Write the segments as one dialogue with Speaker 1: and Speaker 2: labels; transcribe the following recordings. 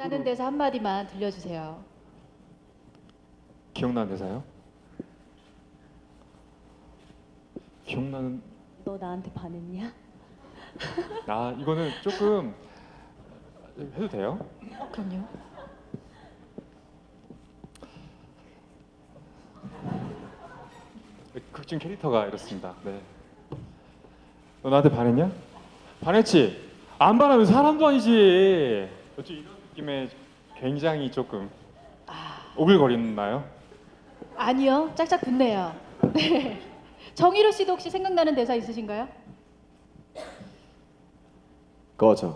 Speaker 1: 하는 데서 한마디만 들려주세요.
Speaker 2: 기억나는 대사요? 기억나는
Speaker 3: 너 나한테 반했냐?
Speaker 2: 이거는 조금 해도 돼요?
Speaker 1: 그럼요.
Speaker 2: 극중 캐릭터가 이렇습니다. 네. 너 나한테 반했냐? 반했지? 안 반하면 사람도 아니지. 어찌 이런 느낌에 굉장히 조금 오글거리나요?
Speaker 1: 아니요, 짝짝 붙네요. 네. 정희로 씨도 혹시 생각나는 대사 있으신가요?
Speaker 4: 꺼져.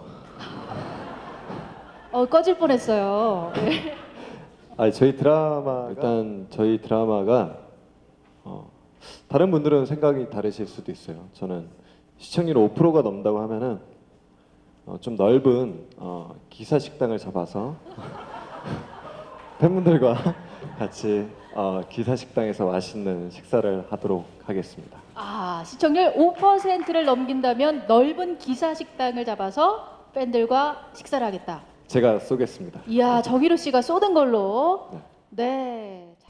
Speaker 1: 꺼질 뻔했어요. 네.
Speaker 4: 저희 드라마 일단 저희 드라마가 다른 분들은 생각이 다르실 수도 있어요. 저는 시청률 5%가 넘는다고 하면은 좀 넓은 기사 식당을 잡아서 팬분들과 같이 기사 식당에서 맛있는 식사를 하도록 하겠습니다.
Speaker 1: 시청률 5%를 넘긴다면 넓은 기사 식당을 잡아서 팬들과 식사를 하겠다.
Speaker 4: 제가 쏘겠습니다.
Speaker 1: 이야, 정희로 씨가 쏘는 걸로. 네.